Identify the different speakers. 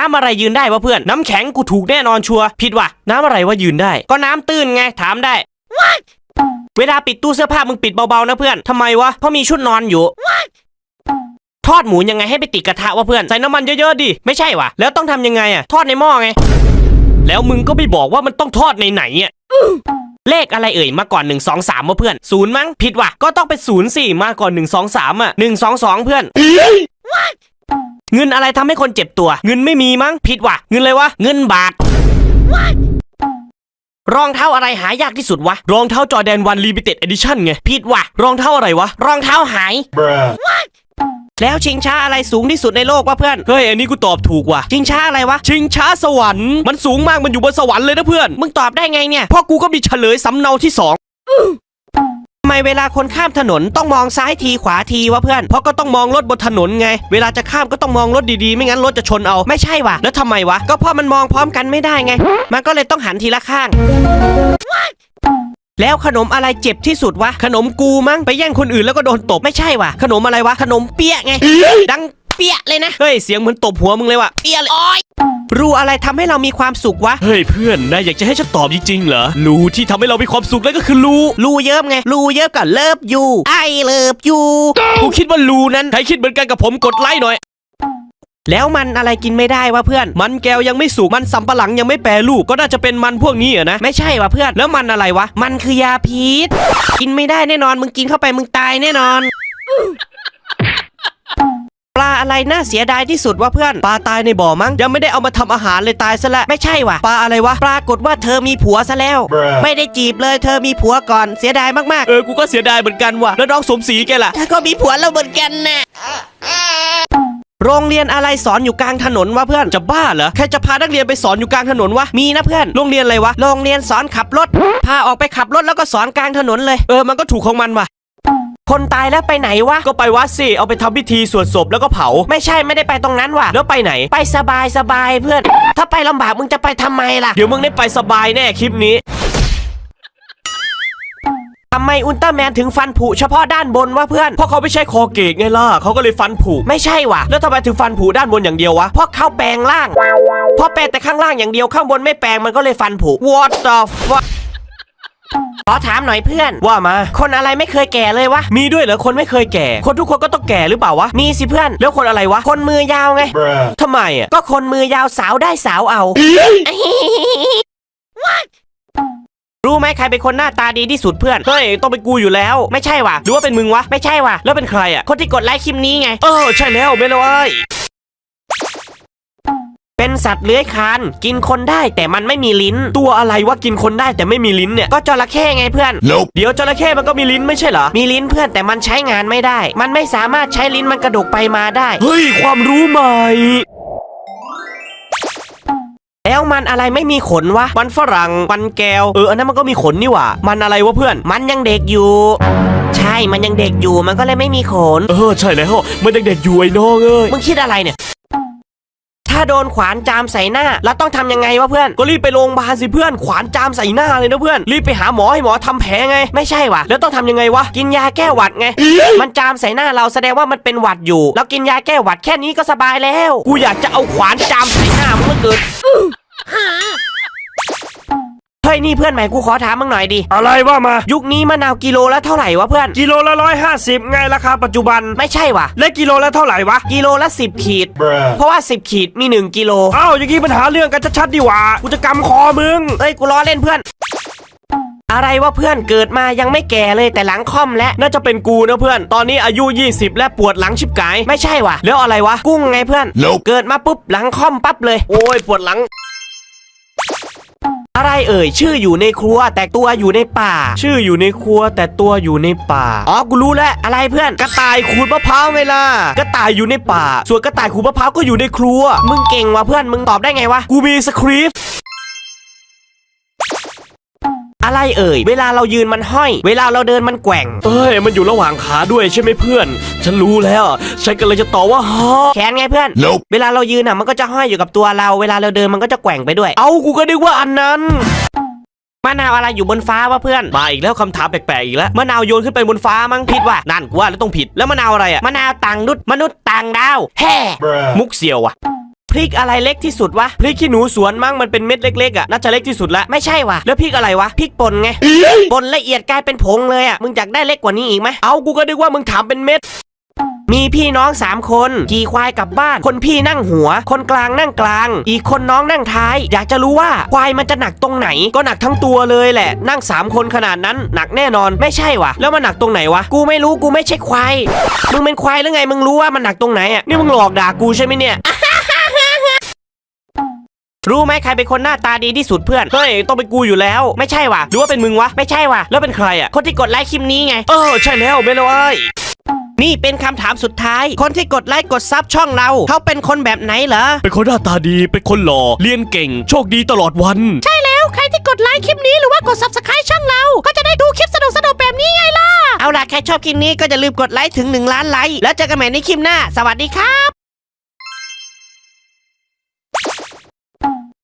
Speaker 1: ำอะไรยืนได้วะเพื่อนน้ำแข็งกูถูกแน่นอนชัวร์ผิดว่ะน้ำอะไรวะยืนได้ก็น้ำตื้นไงถามได้ เวลาปิดตู้เสื้อผ้ามึงปิดเบาๆนะเพื่อนทำไมวะเพราะมีชุดนอนอยู่ทอดหมูยังไงให้ไปติดกระทะวะเพื่อนใส่น้ำมันเยอะๆดิไม่ใช่วะแล้วต้องทำยังไงอะทอดในหม้อไงแล้วมึงก็ไม่บอกว่ามันต้องทอดในไหนอะเลขอะไรเอ่ยมาก่อน1 2 3วะเพื่อนศูนย์มั้งผิดว่ะก็ต้องเป็น0สิมาก่อน1 2 3อ่ะ1 2 2เพื่อนเงินอะไรทำให้คนเจ็บตัวเงินไม่มีมั้งผิดว่ะเงินอะไรวะเงินบาทรองเท้าอะไรหายากที่สุดวะรองเท้าจอร์แดน1 Limited Edition ไงผิดว่ะรองเท้าอะไรวะรองเท้าหายแล้วชิงช้าอะไรสูงที่สุดในโลกวะเพื่อนเฮ้ยอันนี้กูตอบถูกว่ะชิงช้าอะไรวะชิงช้าสวรรค์มันสูงมากมันอยู่บนสวรรค์เลยนะเพื่อนมึงตอบได้ไงเนี่ยเพราะกูก็มีเฉลยสำเนาที่2ทำไมเวลาคนข้ามถนนต้องมองซ้ายทีขวาทีวะเพื่อนเพราะก็ต้องมองรถบนถนนไงเวลาจะข้ามก็ต้องมองรถดีๆไม่งั้นรถจะชนเอาไม่ใช่ว่ะแล้วทำไมวะก็เพราะมันมองพร้อมกันไม่ได้ไงมันก็เลยต้องหันทีละข้างแล้วขนมอะไรเจ็บที่สุดวะขนมกูมั้งไปแย่งคนอื่นแล้วก็โดนตบไม่ใช่วะขนมอะไรวะขนมเปี๊ยะไงดังเปี๊ยะเลยนะเฮ้ยเสียงเหมือนตบหัวมึงเลยวะเปี๊ยะเลยรูอะไรทำให้เรามีความสุขวะเฮ้ยเพื่อนนายอยากจะให้ฉันตอบจริงๆเหรอรูที่ทำให้เรามีความสุขนั่นก็คือรูเยิ้มไงรูเยิ้มกับเลิฟยูไอเลิฟยูกูคิดว่ารูนั้นใครคิดเหมือนกันกับผมกดไลค์หน่อยแล้วมันอะไรกินไม่ได้วะเพื่อนมันแก้วยังไม่สุกมันสำปะหลังยังไม่แปรรูปก็น่าจะเป็นมันพวกนี้นะไม่ใช่วะเพื่อนแล้วมันอะไรวะมันคือยาพิษกินไม่ได้แน่นอนมึงกินเข้าไปมึงตายแน่นอนปลาอะไรน่าเสียดายที่สุดวะเพื่อนปลาตายในบ่อมั้งยังไม่ได้เอามาทำอาหารเลยตายซะละไม่ใช่วะปลาอะไรวะปรากฏว่าเธอมีผัวซะแล้วไม่ได้จีบเลยเธอมีผัวก่อนเสียดายมากๆกูก็เสียดายเหมือนกันว่ะแล้วน้องสมศรีแกล่ะเธอก็มีผัวแล้วเหมือนกันนะโรงเรียนอะไรสอนอยู่กลางถนนวะเพื่อนจะบ้าเหรอแค่จะพานักเรียนไปสอนอยู่กลางถนนวะมีนะเพื่อนโรงเรียนอะไรวะโรงเรียนสอนขับรถพาออกไปขับรถแล้วก็สอนกลางถนนเลยมันก็ถูกของมันว่ะคนตายแล้วไปไหนวะก็ไปวัดสิเอาไปทำพิธีสวดศพแล้วก็เผาไม่ใช่ไม่ได้ไปตรงนั้นว่ะแล้วไปไหนไปสบายเพื่อนถ้าไปลำบากมึงจะไปทำไมล่ะเดี๋ยวมึงได้ไปสบายแน่คลิปนี้ทำไมอุลตร้าแมนถึงฟันผุเฉพาะด้านบนวะเพื่อนเพราะเขาไม่ใช่คอเกตไงล่ะเขาก็เลยฟันผุไม่ใช่วะแล้วทำไมถึงฟันผุด้านบนอย่างเดียววะเพราะเขาแปลงร่างเพราะแปลงแต่ข้างล่างอย่างเดียวข้างบนไม่แปลงมันก็เลยฟันผุ What the fuckขอถามหน่อยเพื่อนว่ามาคนอะไรไม่เคยแก่เลยวะมีด้วยเหรอคนไม่เคยแก่คนทุกคนก็ต้องแก่หรือเปล่าวะมีสิเพื่อนแล้วคนอะไรวะคนมือยาวไงทำไมอ่ะก็คนมือยาวสาวได้สาวเอา รู้ไหมใครเป็นคนหน้าตาดีที่สุดเพื่อนเฮ้ยต้องเป็นกูอยู่แล้วไม่ใช่วะหรือว่าเป็นมึงวะไม่ใช่วะแล้วเป็นใครอ่ะคนที่กดไลค์คลิปนี้ไงใช่แล้วไม่เลยเป็นสัตว์เลื้อยคลานกินคนได้แต่มันไม่มีลิ้นตัวอะไรวะกินคนได้แต่ไม่มีลิ้นเนี่ยก็จระเข้ไงเพื่อน
Speaker 2: Nope.
Speaker 1: เดี๋ยวจระเข้มันก็มีลิ้นไม่ใช่เหรอมีลิ้นเพื่อนแต่มันใช้งานไม่ได้มันไม่สามารถใช้ลิ้นมันกระดกไปมาได้เฮ้ยความรู้ใหม่แล้วมันอะไรไม่มีขนวะมันฝรั่งมันแก้วอันนั้นมันก็มีขนนี่หว่ามันอะไรวะเพื่อนมันยังเด็กอยู่ใช่มันยังเด็กอยู่มันก็เลยไม่มีขนใช่แล้วมันยังเด็กอยู่ไอ้น้องมึงคิดอะไรเนี่ยถ้าโดนขวานจามใส่หน้าแล้วต้องทำยังไงวะเพื่อนก็รีบไปโรงพยาบาลสิเพื่อนขวานจามใส่หน้าเลยนะเพื่อนรีบไปหาหมอให้หมอทำแผลไงไม่ใช่วะแล้วต้องทำยังไงวะกินยาแก้หวัดไง มันจามใส่หน้าเราแสดงว่ามันเป็นหวัดอยู่แล้วกินยาแก้หวัดแค่นี้ก็สบายแล้วกูอยากจะเอาขวานจามใส่หน้ามึงเหลือเกินเฮ้ยนี่เพื่อนใหม่กูขอถามมึงหน่อยดิอะไรว่ามายุคนี้มะนาวกิโลละเท่าไหร่วะเพื่อนกิโลละ150ไงราคาปัจจุบันไม่ใช่วะและกิโลละเท่าไหร่วะกิโลละ10 ขีดเพราะว่า10 ขีดมี1 กิโลอย่างงี้ปัญหาเรื่องกันชัดๆดีหว่ากูจะกำคอมึงเอ้ยกูล้อเล่นเพื่อนอะไรวะเพื่อนเกิดมายังไม่แก่เลยแต่หลังค่อมและน่าจะเป็นกูนะเพื่อนตอนนี้อายุ20และปวดหลังชิบกายไม่ใช่วะแล้วอะไรวะกุ้งไงเพื่อน
Speaker 2: Nope.
Speaker 1: เกิดมาปุ๊บหลังค่อมปั๊บเลยโอ้ยปวดหลังอะไรชื่ออยู่ในครัวแต่ตัวอยู่ในป่าชื่ออยู่ในครัวแต่ตัวอยู่ในป่ากูรู้แล้วอะไรเพื่อนกระต่ายขูดมะพร้าวไงล่ะกระต่ายอยู่ในป่าส่วนกระต่ายขูดมะพร้าวก็อยู่ในครัวมึงเก่งว่ะเพื่อนมึงตอบได้ไงวะกูมีสคริปต์อะไรเวลาเรายืนมันห้อยเวลาเราเดินมันแกว่งมันอยู่ระหว่างขาด้วยใช่ไหมเพื่อนฉันรู้แล้วฉันก็เลยจะตอบว่าแขนไงเพื่อน
Speaker 2: Nope.
Speaker 1: เวลาเรายืนมันก็จะห้อยอยู่กับตัวเราเวลาเราเดินมันก็จะแกว่งไปด้วยกูก็นึกว่าอันนั้นมะนาวอะไรอยู่บนฟ้าวะเพื่อนมาอีกแล้วคำถามแปลกๆอีกแล้วมะนาวโยนขึ้นไปบนฟ้ามั้งผิดว่ะนั่นกูว่าแล้วต้องผิดแล้วมะนาวอะไรมะนาวต่างนุษย์มนุษย์ต่างดาวแฮ่มุกเสี่ยวว่ะพริกอะไรเล็กที่สุดวะพริกขี้หนูสวนมั้งมันเป็นเม็ดเล็กๆอ่ะน่าจะเล็กที่สุดละไม่ใช่วะแล้วพริกอะไรวะพริกป่นไงป่นละเอียดกลายเป็นผงเลยอ่ะมึงอยากได้เล็กกว่านี้อีกไหมเอากูก็นึกว่ามึงถามเป็นเม็ดมีพี่น้อง3คนขี่ควายกลับบ้านคนพี่นั่งหัวคนกลางนั่งกลางอีกคนน้องนั่งท้ายอยากจะรู้ว่าควายมันจะหนักตรงไหนก็หนักทั้งตัวเลยแหละนั่ง3คนขนาดนั้นหนักแน่นอนไม่ใช่วะแล้วมันหนักตรงไหนวะกูไม่รู้กูไม่ใช่ควายมึงเป็นควายหรือไงมึงรู้ว่ามันหนักตรงไหนอ่ะนี่มึงหลอกด่ากูใช่ไหมเนี่ย รู้ไหมใครเป็นคนหน้าตาดีที่สุดเพื่อนเฮ้ยต้องเป็นกูอยู่แล้วไม่ใช่วะหรือว่าเป็นมึงวะไม่ใช่วะแล้วเป็นใครอ่ะคนที่กดไลค์คลิปนี้ไงใช่แล้วไม่เลย นี่เป็นคำถามสุดท้ายคนที่กดไลค์กดซับช่องเราเขาเป็นคนแบบไหนเหรอ
Speaker 2: เป็นคนหน้าตาดีเป็นคนหล่อเรียนเก่งโชคดีตลอดวัน
Speaker 3: ใช่แล้วใครที่กดไลค์คลิปนี้หรือว่ากด Subscribe ช่องเราก็จะได้ดูคลิปสนุกๆแบบนี้ไงล่ะ
Speaker 1: เอาล่ะใครชอบคลิปนี้ก็อย่าลืมกดไลค์ถึง1 ล้านไลค์แล้วเจอกันใหม่ในคลิปหน้าสวัสดีครับ